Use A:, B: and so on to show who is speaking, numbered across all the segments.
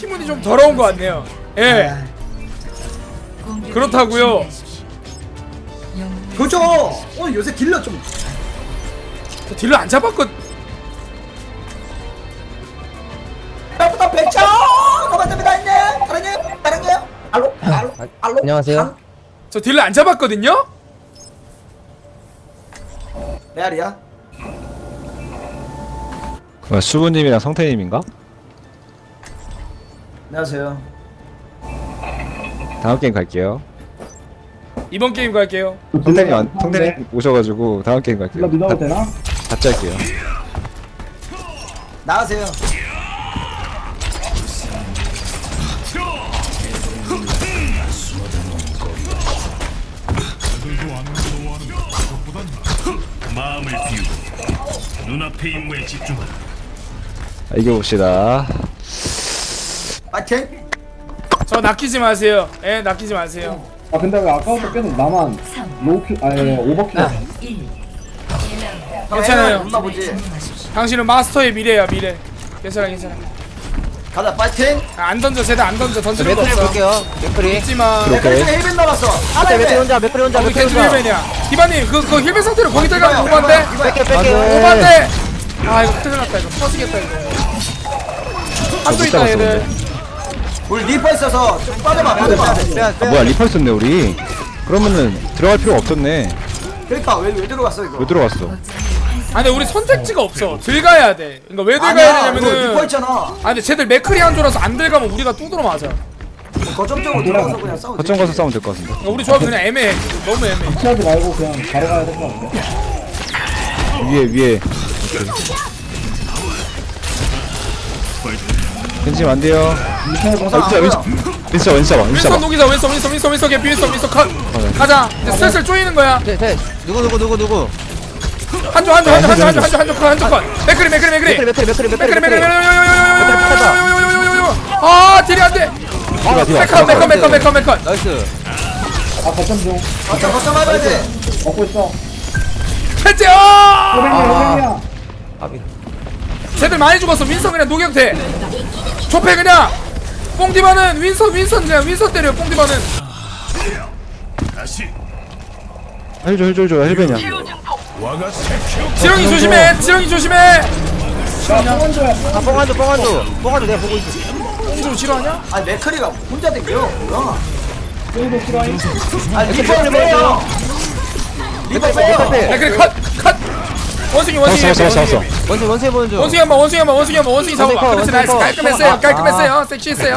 A: 팀운이 좀 더러운 것 같네요. 예. 그렇다고요.
B: 그죠. 오늘 요새 딜러 좀
A: 저 딜러 안 잡았거.
B: 나보다 배쳐. 고맙습니다. 있네. 다른요? 알로.
C: 안녕하세요.
A: 저 딜러 안 잡았거든요.
B: 레알이야.
D: 그 수부님이랑 성태님인가?
B: 안녕하세요.
D: 다음 게임 갈게요.
A: 이번 게임 갈게요.
D: 성태님 오셔가지고 다음 게임 갈게요.
E: 믿어도 되나?
D: 같이 할게요.
B: 나가세요.
F: 마음을 비우고 눈앞의 임무에 집중하라.
D: 이겨봅시다.
B: 파이팅.
A: 저 낚이지 마세요. 예, 낚이지 마세요.
E: 아 근데 왜 아까부터 계속 나만 로우킬 아니 오버킬
A: 괜찮아요.
B: 엄마 보지.
A: 당신은 마스터의 미래야, 미래. 괜찮아, 괜찮아.
B: 가자. 파이팅.
A: 안 던져, 쟤들 안 던져. 던지는 거
C: 맥크리
A: 없어.
C: 볼게요. 맥크리.
A: 있지마.
D: 그렇게.
B: 중에 힐빈 남았어. 하나
C: 맥크리
B: 힐빈.
C: 혼자, 맥크리 혼자,
A: 우리
C: 맥크리
A: 겐지
C: 혼자.
A: 힐맨이야. 디바님, 그 힐맨 상태로 거기 들어가면
B: 이거야,
A: 오반데?
B: 이거야.
C: 뺄게, 뺄게.
A: 오반데! 아, 이거 큰일 났다, 이거. 터지겠다, 이거. 한도 있다, 얘들.
B: 우리 리퍼 있어서 좀 빠져봐.
D: 아, 뭐야 리펄 썼네 우리. 그러면은 들어갈 필요가 없었네.
B: 그러니까 왜 들어갔어 이거?
D: 왜 들어갔어?
A: 아, 근데 우리 선택지가 없어. 들어가야 돼. 그러니까 왜 들어가야
B: 아니야. 이거 리퍼
A: 되냐면은.
B: 있잖아.
A: 아, 근데 쟤들 맥크리 한 조라서 안 들어가면 우리가 뚜드러 맞아.
B: 거점적으로 들어가서 그냥 싸우지.
D: 거점 가서 싸우면 될 것 같은데.
A: 그러니까 우리 조합이 그냥 애매해. 너무 애매해.
E: 피하지 말고 그냥 바로 가야 될 것 같은데.
D: 위에. 괜찮으면 안 돼요. 윈스 잡아.
A: 윈선 녹이자, 윈선 개피, 윈선 컷. 가자. 이제 슬슬 쪼이는 거야.
C: 네, 네. 누구?
A: 한조 컷. 맥크리.
C: 맥크리.
A: 아, 딜이 안 돼. 메컷.
C: 나이스.
E: 아 거점 중
B: 거점 해봐야 돼.
E: 먹고 있어.
A: 해제.
E: 호랭이야.
C: 아비.
A: 쟤들 많이 죽었어. 윈선 그냥 녹여대. 좁해 그냥. 뽕디바는 윈선 그냥 윈선 때려. 뽕디바는.
F: 다시
D: 헬줘 헬벤이야.
F: 와가 새끼
A: 지렁이 조심해.
C: 아, 뽕한도 내가 보고 있어.
A: 뽕조 싫어하냐?
B: 아니 맥크리가 혼자 댕겨. 뭐야?
E: 뽕도 싫어해.
B: 아니 리퍼를 빼요. 리퍼 빼요.
A: 맥크리 컷. 원숭이.
D: 잡았어.
C: 원세 보는 중.
A: 원숭이 잡아봐. 그렇지, 나이스. 깔끔했어요. 섹시했어요.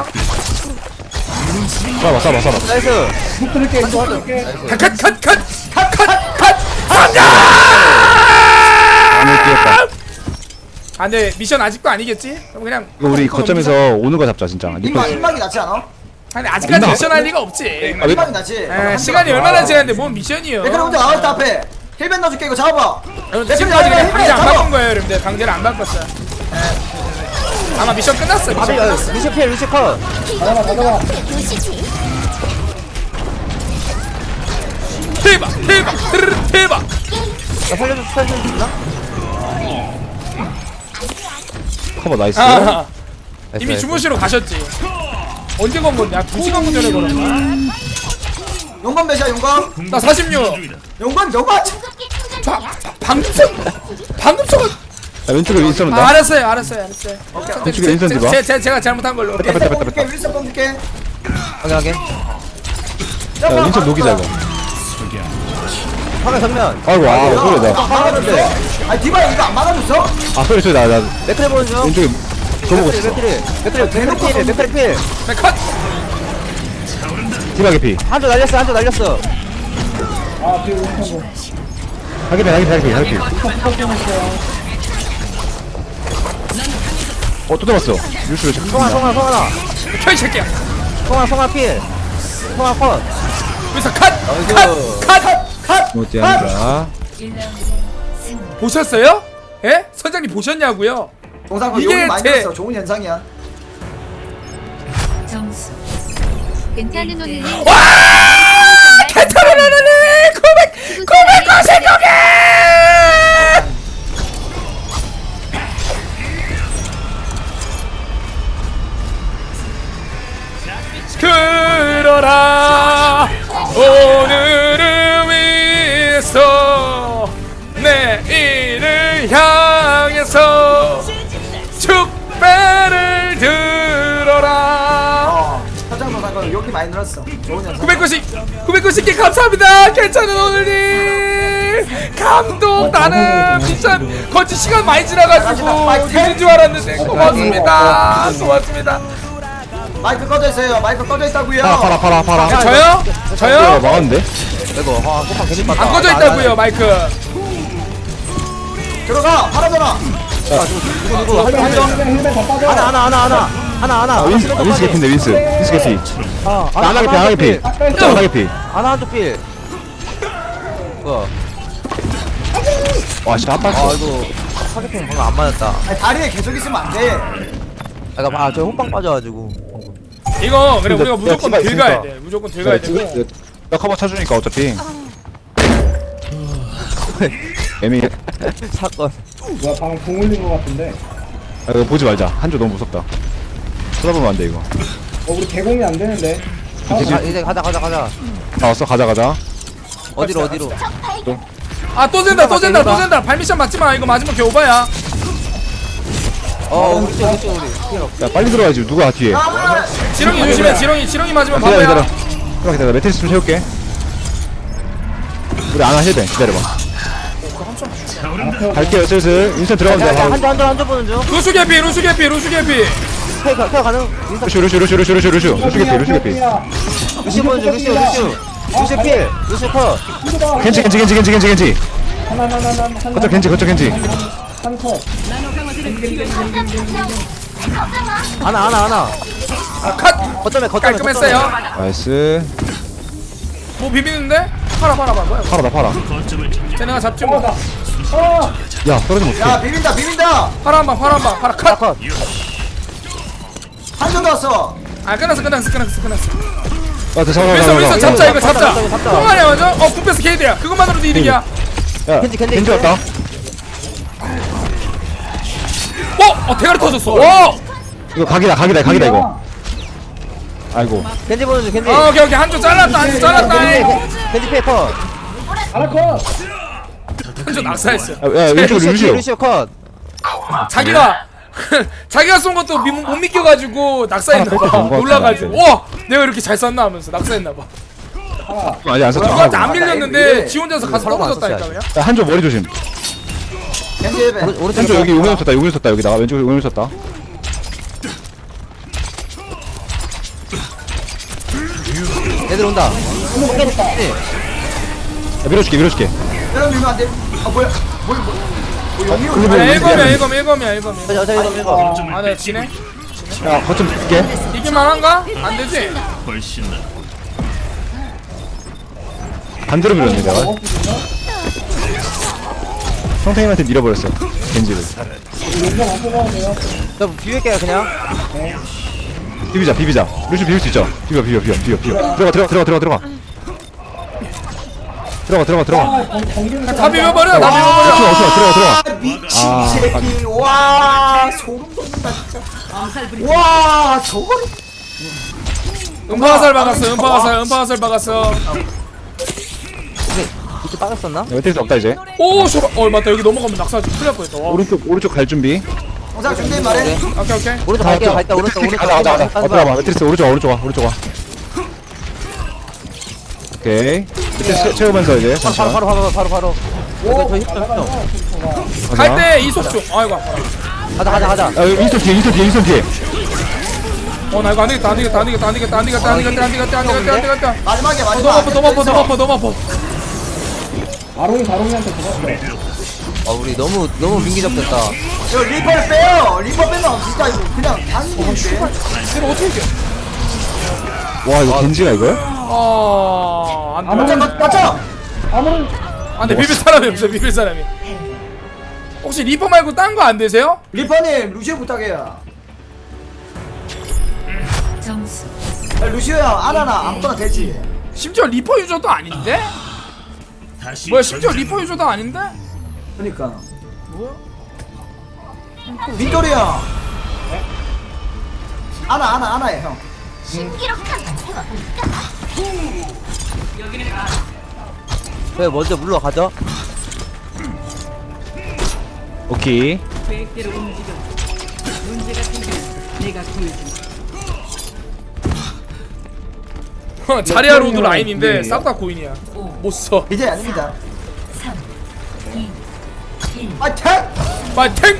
D: 잡아.
C: 나이스.
E: 붙을게 도와줄게.
A: 컷.
D: 안을 뛰었다.
A: 아, 근데 미션 아직도 아니겠지? 그럼 그냥
D: 이거 우리 거점에서 오는 거 잡자 진짜. 리펄.
B: 흰막이 낫지 않아?
A: 아니 아직까지 미션 할 리가 없지.
B: 흰막이 낫지.
A: 시간이 얼마나 지났는데 뭔 미션이요?
B: 맥크리 혼자 나왔다 앞에. 힐빈 넣어줄게 이거 잡아봐.
A: 지금까지 그냥 강제 안 바꾼 거예요, 여러분들. 강제를 안 바꿨어요. 예. 아마 미션 끝났어. 미션 끝났어.
C: 미션 컷.
E: 가져가.
A: 대박.
C: 나 살려주나?
D: 커버 나이스.
A: 아, 이미 주무시러 가셨지. 언제 건 건데? 2시간 전에 걸었나?
B: 용건 몇이야 용건?
A: 나 46.
B: 용건.
A: 방금 전
D: 야, 왼쪽에 윈스 온다.
A: 알았어요.
D: 왼쪽에 윈스 디바.
A: 제가 잘못한 걸로. 오케이.
B: 윌슨 뽕줄게.
C: 확인하게.
D: 야, 윈스 녹이자 이거.
C: 화면 정면.
D: 아이고 소리 나.
C: 막았는데.
B: 아니 디바 이거 안 막아줬어?
D: 소리 나
C: 맥크리 보는 중.
D: 왼쪽에 저보고 있어.
C: 맥크리 필.
A: 컷.
D: 디바 개피.
C: 한조 날렸어.
E: 아 뒤에 오른쪽.
D: 하기피. 또 잡았어. 뉴스
C: 송아.
A: 켜이 새끼야.
C: 송아 필. 송아 컷.
A: 여기서 컷.
D: 못지 않다.
A: 보셨어요? 예? 선장님 보셨냐고요?
B: 동상
A: 이게
B: 용이 많이
A: 제-
B: 됐어. 좋은 현상이야.
G: 점수 괜찮은 오늘이
A: 타타라라라라 999개. 내일을 향해서 축배를 들어라.
B: 사장도 잠깐 여기 많이 늘었어. 좋은 연습.
A: 990개 감사합니다. 괜찮은 오늘님 감동. 나는 진짜 거치 시간 많이 지나가지고 되는 줄 알았는데 고맙습니다. 고맙습니다.
B: 마이크 꺼져 있어요. 마이크 꺼져 있다고요.
D: 팔아.
A: 저요? 저요?
D: 막았는데?
C: 이거 호빵 괜히
A: 안 꺼져 있다고요 마이크.
B: 들어가. 팔아줘라.
C: 누구
E: 힐맨 다 빠져.
C: 하나
D: 윈스 개피인데 윈스 개피. 하나 개피. 하나 개피.
C: 하나 한쪽 필. 뭐야?
D: 와 진짜 한
C: 아
D: 발씩.
C: 이거 타겟팅 방금 안 맞았다.
B: 아니, 다리에 계속 있으면 안 돼.
C: 그러니까 저 호빵 빠져가지고.
A: 이거 그래 우리가 무조건
D: 치가
A: 들어가야
D: 있으니까.
A: 돼. 무조건 들어가야 되고.
D: 나 커버 쳐주니까 어차피. 애매해.
C: 사건.
E: 뭐야 방금 공 올린 거 같은데.
D: 아, 이거 보지 말자. 한조 너무 무섭다. 쳐다보면 안 돼 이거.
E: 우리 개공이 안 되는데.
C: 이제 가자.
D: 나왔어 가자.
C: 어디로?
A: 아 또 샌다 또 샌다. 발미션 맞지 마. 이거 맞으면 개오바야.
C: 우리 쪽.
D: 야 빨리 들어가야지. 누가 뒤에?
A: 지렁이 조심해. 지렁이 맞으면
D: 기다려.
A: 바보야.
D: 기다려. 매트리스 좀 채울게. 우리 안 하셔야 돼. 기다려봐. 갈게요 슬슬. 인스턴 들어가면 돼.
C: 한조 보는 중.
A: 루슈 개피.
C: 태워 가능.
D: 루슈 개피.
C: 루시 보는 중. 루시 필. 루시 컷.
D: 겐지.
E: 하나.
D: 거쳐 겐지.
E: 한 컷.
C: 하나.
A: 컷.
C: 거점에.
A: 깔끔했어요.
D: 나이스.
A: 뭐 비비는데? 팔아 뭐야?
D: 팔아.
F: 거점을
A: 쟤네가 잡지 뭐.
D: 야 떨어지면
B: 야,
D: 어떡해.
B: 비빈다.
A: 팔아 한방 팔아 컷.
C: 컷.
B: 한 점도 왔어.
A: 아 끝났어.
D: 아 잠깐만.
A: 윈서 잡자 이거 잡자.
C: 잡자.
A: 통화냐 먼저? 궁패스 케이드야. 그것만으로도 이득이야.
D: 야
C: 겐지
D: 왔다.
A: 대가리 터졌어. 와.
D: 이거 각이다 이거. 아이고.
C: 겐지 보는 중. 겐지.
A: 오케이 한조 잘랐다.
C: 겐지 필 컷.
E: 하나 컷.
A: 한조 낙사했어.
D: 야 왼쪽 루시오.
C: 루시오 컷.
A: 자기가 쏜 것도 못 믿겨가지고 낙사했나봐.
D: 쏜거
A: 놀라가지고
D: 같은데.
A: 와 내가 이렇게 잘 쐈나 하면서 낙사했나봐.
D: 아니 안 썼죠.
A: 누구한테 안 밀렸는데
B: 왜?
A: 지 혼자서 가서
C: 서로가 안
A: 떨어졌다니까
C: 썼어야지.
A: 그냥.
D: 야 한조 머리 조심.
B: 겐지 예배.
C: 오른쪽.
D: 한조 여기 용연 쳤다. 여기다가 왼쪽에 용연 쳤다.
C: 애들 온다.
D: 야, 밀어줄게.
B: 이런 밀면 안 돼. 아, 뭐야. 용이
A: 일검이야.
C: 저 이거.
A: 아 내가 지네?
D: 야 거점 줄게.
A: 이길만한가? 안 되지?
F: 훨씬 나.
D: 반대로 밀었네 내가. 성태님한테 밀어버렸어. 겐지를.
C: 저 비빌게요 그냥.
D: 비비자. 루시 비빌 수 있죠. 비벼. 들어가.
A: 다 비벼버려.
D: 들어가.
B: 아, 미친 새끼. 와, 소름 돋는다, 진짜. 와, 저걸.
A: 음파화살 박았어.
C: 이쪽 빠졌었나?
D: 매트리스 없다 이제.
A: 오 쇼바. 맞다 여기 넘어가면 낙사하지. 큰일 날 뻔했다. 와.
D: 오른쪽 갈 준비.
B: 영상 준비 말해.
A: 오케이.
C: 오른쪽 갈게요. 갈다 오른쪽.
D: 가자. 들어봐. 매트리스 오른쪽 와. 오케이. 매트리스 채우면서 이제 잠시만.
C: 바로. 이거 저 힘좀.
A: 갈 때 이속중. 아이고 아파라.
C: 가자.
D: 야 윈스턴 뒤에.
A: 나 이거 안 되겠다.
B: 마지막에
A: 너무 아파.
E: 바롱이한테 죽었어.
C: 우리 너무 민기적됐다.
B: 이거 리퍼를 빼요. 리퍼 빼면 진짜 이거 그냥 단순인데.
A: 이거 어떻게 이겨?
D: 와 이거 겐지가 이거야?
A: 안 돼.
B: 맞죠?
E: 아무런
A: 안 돼. 비빌 사람이. 혹시 리퍼 말고 딴 거 안 되세요?
B: 리퍼님, 루시오 부탁해요.
G: 점수
B: 야, 루시오야, 아나나 아무거나 되지.
A: 심지어 리퍼 유저도 아닌데?
F: 다시
A: 뭐야 심지어 리퍼 유저도 아닌데?
B: 그러니까.
A: 뭐야?
B: 빅토리 형. 아나해 형.
C: 그래 먼저 물러가죠.
D: 오케이.
H: 계획대로 움직여. 문제가 생기면 내가 구해준다.
A: 자리야 로드 라인인데 싹 다 고인이야. 못 써.
B: 이제 아닙니다. 아, 택!
A: 파이팅!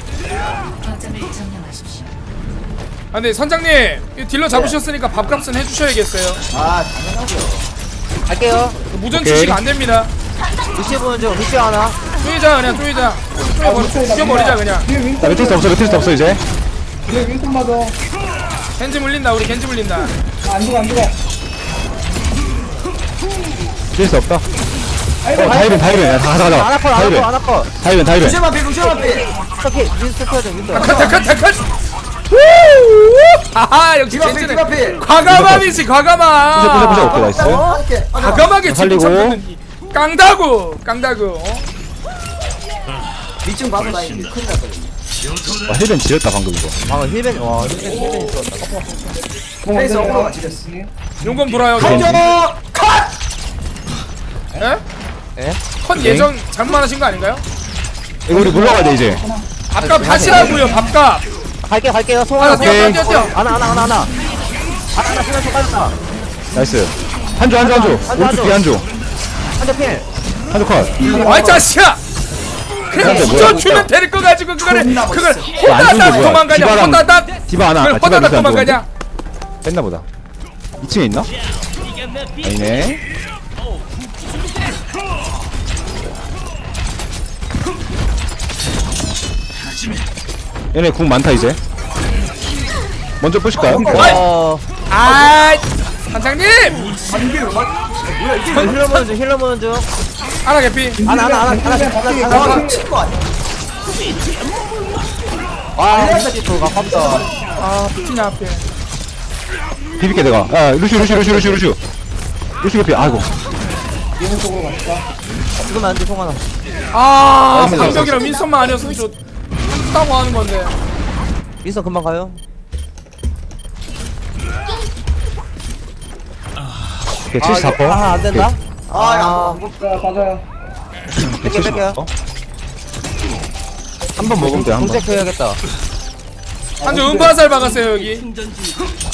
A: 아 근데 선장님 이 딜러 잡으셨으니까 밥값은 해주셔야겠어요.
B: 아, 당연하죠.
C: 갈게요.
A: 무전
D: 오케이.
A: 출시가 안 됩니다.
C: 루시 보는 중. 루시 하나.
A: 쪼이자 그냥 쪼이자. 죽여버리자 그냥.
E: 뒤에
D: 나
E: 윈선
D: 매트리스 없어 매트리스 없어 이제.
E: 뒤에 윈선 맞아.
A: 겐지 물린다 우리 겐지 물린다.
E: 안 죽어 안 죽어.
D: 매트리스 없다. 다이벤 야 가자
C: 아나컷
D: 다이벤
C: 아나컷.
D: 다이벤
B: 루시오 반피, 루시오 반피.
C: 스토키 윈스 터져 윈스.
A: 타카타카타카. 하하 역시
B: 디바필,
A: 겐지는
B: 디바필.
A: 과감함이지 과감함.
D: 부셔 오케이 나이스.
B: 이렇게.
A: 과감하게
D: 살리고.
A: 집중 깡다구 깡다구.
B: 밑중 봐도 나 이제 큰일 났거든.
D: 와 힐벤 지렸다 방금 이거.
C: 방금 힐벤 와 힐벤 있었다.
B: 페이스 어그로가 지렸어.
A: 용검 돌아요.
D: 겐지.
B: 저 컷!
A: 에?
C: 예?
A: 컷 예정 잘못하신 거 아닌가요?
D: 이거 우리 물러가야 돼 이제.
A: 밥값 하시라고요 밥값.
C: 갈게요. 송
A: 하나
C: 하나.
A: 뛰어 뛰어 뛰어.
C: 하나 수면 총 빠졌다.
D: 나이스. 한조 오른쪽 뒤 한조.
C: 한대 필.
D: 한조 컷.
A: 와이 자식아. 그냥
D: 뭐야,
A: 부져
D: 뭐야.
A: 주면 될 거 가지고 그걸
B: 존나
A: 그걸
B: 멋있어.
D: 안
A: 호다닥
D: 좋은데, 뭐야.
A: 도망가냐
D: 디바랑-
A: 호다닥.
D: 디바 하나.
A: 그걸
D: 디바
A: 호다닥
D: 밑에 안
A: 도망가냐.
D: 뺐나 보다. 2층에 있나? 아니네. 얘네 궁 많다 이제. 먼저 뿌실까요?
A: 아 선장님.
B: 아니, 이게 왜 맞... 뭐야, 이게 왜
C: 힐러 보는 중.
A: 하나 개피.
C: 하나.
B: 아, 친거 아니야?
C: 와 루시 또 가깝다.
A: 아 피냐 앞에.
D: 비빌게 내가. 아 루슈 개피. 아이고.
E: 얘는 쪽으로 갔다.
C: 지금 안돼 송 하나.
A: 아 방벽이랑 민선만 아니었으면 저 한다고 하는 건데.
C: 윈서 금방 가요.
D: 오케이 74%.
C: 안 된다.
B: 아,
E: 자 맞아요.
C: 뺄게요.
D: 한번 먹으면 돼 한 번.
C: 공책 해야겠다.
A: 한조 음파살 박았어요 여기.
H: 충전 중.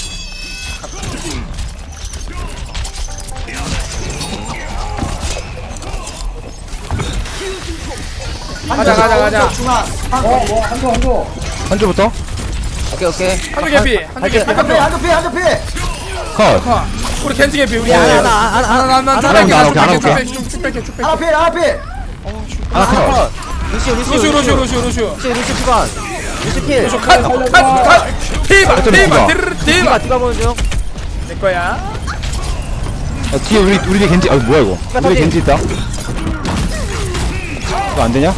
A: 가자.
B: 중앙.
E: 한조.
D: 한조부터
C: 오케이.
A: 한조 개피. 한조 개피.
B: 한조 피, 한조 피.
D: 컷.
A: 컷. 우리 겐지 개피. 우리
C: 하나.
A: 쭉 뺄게.
B: 하나 피, 하나 피.
D: 하나 컷.
A: 루슈.
C: 루시 피반. 루시 필.
A: 컷. 티바.
C: 디바 보는 중.
A: 내 거야.
D: 뒤에 우리 뒤에 겐지. 아 뭐야 이거. 우리 겐지 있다. 이거 안 되냐?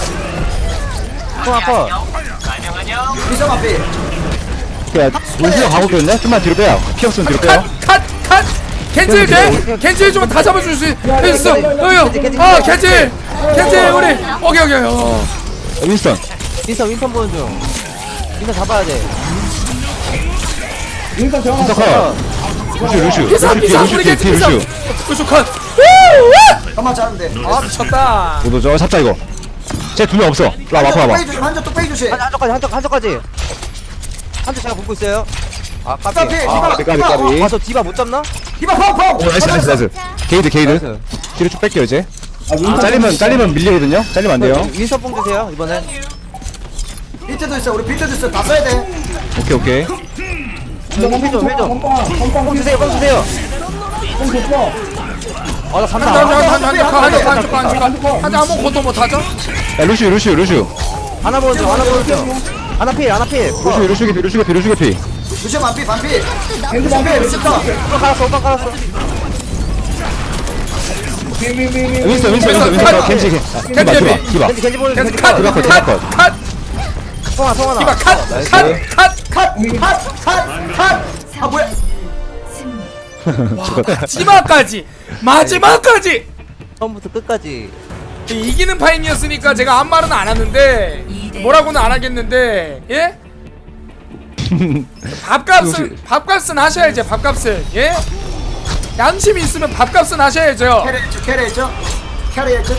C: 송 하나.
B: 미성 앞이.
D: 오케이. 우리가 가고 있겠네. 좀만 뒤로 빼요. 피 없으면 뒤로 빼요.
A: 컷. 겐지 돼? 겐지 좀 다 잡아줄 수 있어. 여요. 아 겐지 우리. 오케이.
D: 윈스턴.
C: 윈선 보는 중. 윈선 잡아야 돼.
E: 윈선 정확.
D: 윈스턴 컷. 루슈.
A: 비상 우리 겐지
D: 뒤에
A: 비상.
D: 루슈.
A: 루슈 컷.
B: 가만 자는데.
A: 아 미쳤다.
D: 오도저 잡자 이거. 쟤 두 명 없어. 와봐.
B: 한조 뚝배기 주시.
C: 한쪽까지. 한쪽 제가 붙고 있어요. 아
B: 디바
C: 까비.
B: 피,
D: 아,
B: 디바.
D: 까비.
C: 아 저 디바 못 잡나?
B: 디바 펑펑.
D: 오 나이스. 게이드.
C: 나이스.
D: 뒤로 쭉 뺄게요 이제.
E: 윈선
D: 잘리면 밀리거든요. 잘리면 안 돼요.
C: 윈선 뽕 주세요 이번엔.
B: 비트도 있어. 우리 비트도 있어. 다 써야 돼.
D: 오케이.
C: 힐 좀. 뽕 주세요.
E: 뽕 줬어.
C: 아나 간다.
A: 한조 아무것도 못하죠?
D: 야 루슈.
C: 하나 보는 중. 하나 필.
D: 루슈 개피.
B: 루시오 반피, 반피.
E: 겐지 반피.
B: 루시오 컷.
C: 오빠 깔았어.
D: 윈스턴. 겐지. 디바.
C: 겐지 보는 중.
A: 컷.
C: 송 하나.
A: 디바 컷.
B: 아, 뭐야.
A: 마지막까지
C: 처음부터 끝까지.
A: 이기는 파임이었으니까 제가 아무 말은 안 하는데 뭐라고는 안 하겠는데 예? 밥값은 하셔야죠. 밥값은 예? 양심이 있으면 밥값은 하셔야죠.
B: 캐리했죠. 캐리했죠?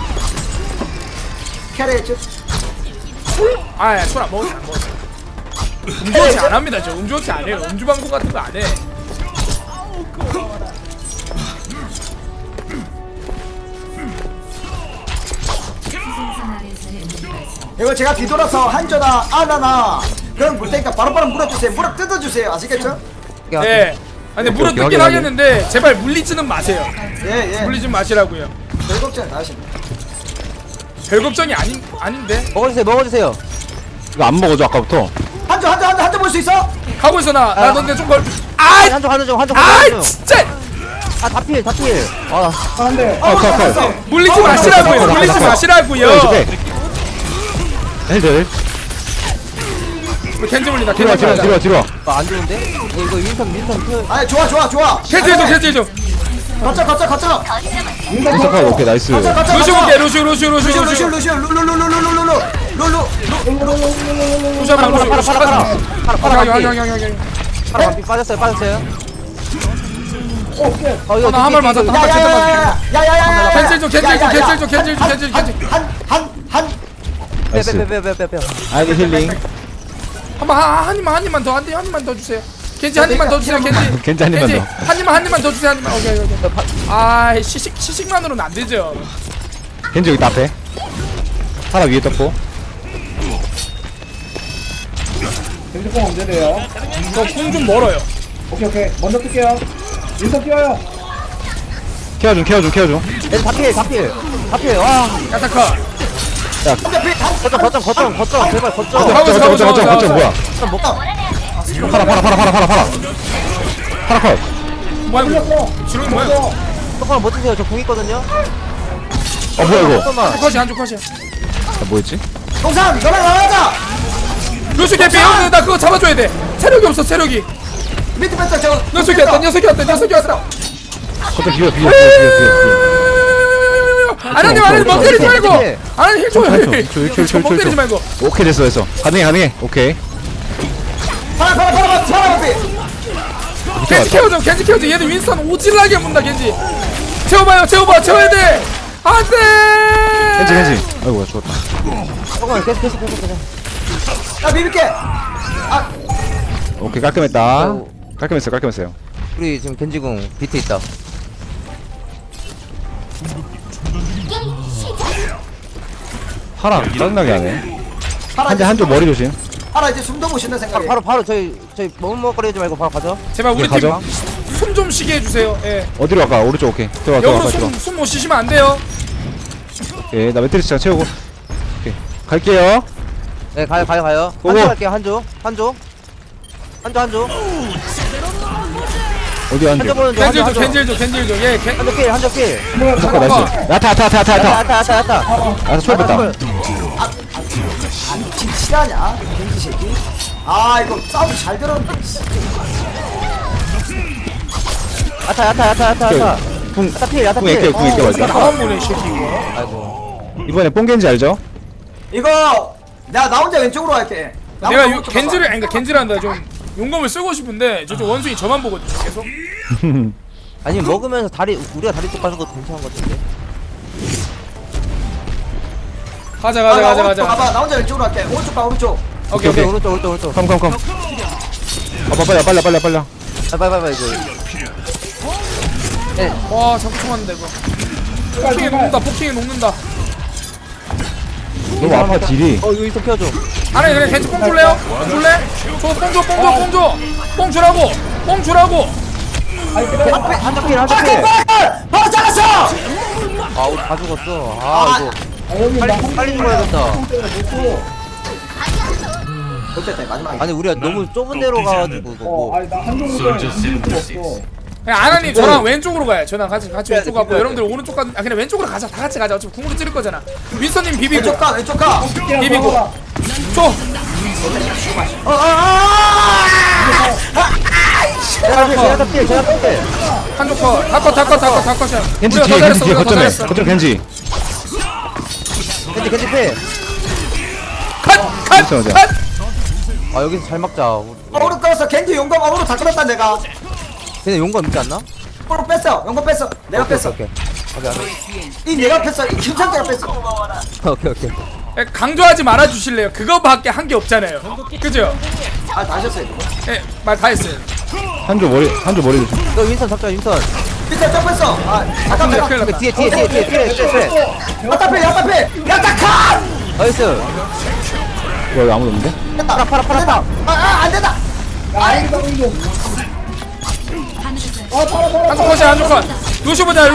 B: 캐리했죠?
A: 아야 술안 먹었어 안 먹었어. 음주업체 안 합니다 저. 음주업체 안 해요. 음주방송 같은 거 안 해.
B: 이거 제가 뒤돌아서 한조나 아나나 그럼 물 테니까 바로바로 물어주세요. 물어 뜯어주세요. 아시겠죠?
A: 네. 아니 물어
D: 오케이,
A: 뜯긴
D: 확인,
A: 하겠는데 제발 물리지는 마세요.
B: 예예.
A: 물리지 마시라고요.
B: 별 걱정 다 하십니다.
A: 별 걱정이 아닌데.
C: 먹어주세요.
D: 이거 안 먹어줘 아까부터.
B: 한조 볼 수 있어?
A: 가고 있어 나 너네 좀 걸.
C: 아이,
A: 아,
C: 한쪽
A: 아 진짜
C: 다 필. 아,
E: 안돼.
D: 컷.
A: 물리지 마시라고요. 물리지 마시라고요.
D: 헬들.
A: 겐지 물린다.
D: 뒤로 와,
A: 겐지 물린다.
D: 뒤로 와.
C: 안 좋은데? 이거 윈선 그.
B: 아 좋아.
A: 겐지 좀 겐지 좀.
B: 거쳐.
D: 인사 컷. 오케이 나이스.
A: 루시 볼게 루시 루시 루시 루시 루시
B: 루루.
A: 한번 루시 루시
C: 파라
A: 양양양양양.
C: 반피 빠졌어요. 이거
A: 나 한 발 맞았다. 한 발 제대로 맞았다.
B: 야야야야야야야야.
A: 겐질 좀 겐질.
D: 나이스.
C: 빼.
D: 아이고 힐링.
A: 한 입만 더. 한 입만 더 주세요. 겐지 한 입만 더 주세요. 겐지.
D: 겐지 한 입만 더.
A: 한 입만 더 주세요. 한 입만. 오케이. 아 시식만으로는 안 되죠.
D: 겐지 여기 다 앞에. 하나 위에 떴고.
E: 겐지뽕 언제 돼요?
A: 저궁좀 멀어요.
E: 오케이. 먼저 뜰게요. 윈서 뛰어요.
D: 케어 좀.
C: 얘들 다 필. 와.
A: 야타카.
C: 거점. 제발 거점.
A: 가고
D: 뭐야? 파라 컷.
A: 뭐야 이거? 지렁이 뭐야?
C: 조금만 버티세요. 저 궁 있거든요.
D: 뭐야 이거?
C: 조금만.
A: 한쪽 컷이야.
D: 뭐였지?
B: 동산 너랑 나가자.
A: 루시 개피 형, 나 그거 잡아줘야 돼. 체력이 없어 체력이.
B: 밑에 뺐다 저.
A: 녀석이 왔다.
D: 컷 비벼.
A: 아나님 멍 때리지 말고. 아나님 힐 줘요.
D: 힐.
A: 멍 때리지 말고.
D: 오케이 됐어. 가능해. 오케이.
B: 파라.
A: 겐지 키워줘. 얘들 윈스턴 오질라게 문다 겐지. 채워야 돼. 안돼.
D: 겐지. 아이고 죽었다.
C: 조금만 계속.
B: 나 비빌게.
D: 오케이 깔끔했다. 깔끔했어요.
C: 우리 지금 겐지궁 비트 있다.
D: 파라 짜증나게 하네.
B: 파라
D: 한쪽 머리 조심.
B: 파라 이제 숨도 못 쉰다 생각해.
C: 바로 저희 머뭇거리지 말고 바로 가죠.
A: 제발 우리
D: 네, 가죠.
A: 팀 숨 좀 쉬게 해주세요. 예.
D: 어디로 갈까? 오른쪽 오케이. 들어가.
A: 역으로 숨 못 쉬시면 안 돼요.
D: 오케이 나 매트리스 채우고. 오케이 갈게요.
C: 네, 가요.
D: 오고.
C: 한조 갈게요. 한조.
D: 어디
C: 한조
D: 앉아?
C: 보는 중.
A: 겐질 줘. 예.
C: 한조 필.
D: 잠깐 나이스. 야타.
C: 야타.
D: 초월 뺐다.
B: 지금 실하냐? 겐지 새끼. 이거 싸움 잘 들었는데.
C: 야타.
D: 궁
C: 야타 필.
D: 궁 있게 맞아.
A: 나만 보내 새끼 이거.
C: 아이고.
D: 이번에 뽕겐지 알죠?
B: 이거 나 혼자 왼쪽으로 갈게. 나
A: 내가
B: 혼자 오른쪽 가봐.
A: 겐지란다 좀 용검을 쓰고 싶은데 저쪽 원숭이 저만 보거든요 계속.
C: 아니 먹으면서 우리가 다리 쪽 가는 거 괜찮은 것 같은데.
A: 가자.
B: 오른쪽 가봐. 나 혼자 왼쪽으로 갈게. 오른쪽.
A: 오케이.
C: 오른쪽.
D: 컴. 빨리.
C: 빨리 이거. 네.
A: 와 자꾸 총맞는다 이거. 폭킹이 녹는다.
D: 너무 아파 딜이.
C: 이거 이쪽 펴줘.
A: 아니 그냥 겐지 뽕 줄래요? 뽕 줄래? 뽕 주라고.
C: 한쪽 필.
B: 바로 잘랐어.
C: 우리 다 죽었어. 이거 빨리 죽어야겠다.
B: 못됐다 마지막에.
C: 아니 우리가 너무 좁은 데로 가가지고 이거 뭐.
E: 아니 나 한쪽 없어.
A: 그냥 아나님 저랑 왼쪽으로 가요. 저랑 같이 왼쪽 가고 여러분들 오른쪽 가. 그냥 왼쪽으로 가자. 다 같이 가자. 어차피 궁으로 찌를 거잖아. 윈서님 비비고.
B: 왼쪽 가.
A: 비비고. 줘.
C: 제가 필.
A: 한쪽 컷. 다 컷이야.
D: 겐지
A: 우리가 더
D: 뒤에
A: 잘했어. 우리가 더
D: 거점에.
A: 잘했어.
D: 거점 겐지.
C: 겐지 필.
A: 컷.
C: 여기서 잘 막자.
B: 어그로 끌었어. 겐지 용검 어그로 다 끌었다 내가.
C: 걔네 용감 있지 않나?
B: 어그로 뺐어. 용검 뺐어. 내가 뺐어.
C: 오케이.
B: 이 내가 뺐어. 이 김상태가 뺐어.
C: 오케이 오케이.
A: 예, 강조하지 말아 주실래요? 그거밖에 한 게 없잖아요. 그죠?
B: 아, 다 하셨어요.
A: 예, 말 다 했어요.
D: 한조 머리 조심.
C: 너 윈선 잡자 윈선.
B: 밑에 딱 뺐어. 아, 아까
A: 큰일
B: 빼.
A: 났다.
C: 뒤에.
B: 야타 빼. 야타
C: 나이스.
D: 여기 아무도 없는데?
B: 컷! 팔아. 안 된다.
A: 한쪽 컷이야, 한쪽 컷. 루슈 보자,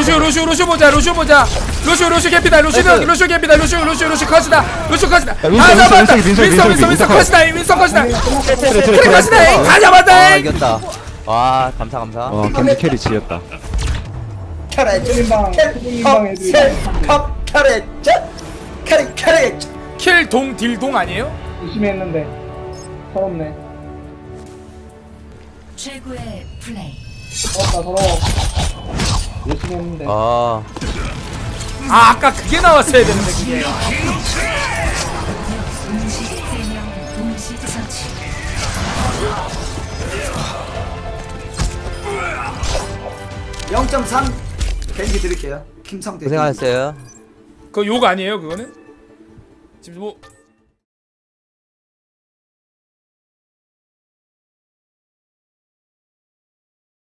A: 루슈 개피다, 루슈 개피다, 루슈 컷이다, 루슈 컷이다. 다
D: 윈서,
A: 잡았다.
D: 윈서 컷.
A: 윈서 컷이다.
D: 트레
A: 그래 컷이다. 다
C: 아
A: 잡았다.
C: 이겼다. 와 감사.
D: 겐지 캐리 지렸다.
B: 캐럿. 캐럿.
A: 킬동 딜동 아니에요?
E: 열심히 했는데 서럽네.
G: 최고의 플레이.
E: 서러워. 열심히 했는데.
C: 아
A: 아, 아까 그게 나왔어야 되는데 그게.
G: 동시 3명 동시 처치.
B: (0.3) 겐지 드릴게요. 김성태.
C: 고생하셨어요.
A: 그거 욕 아니에요, 그거는? 지금 뭐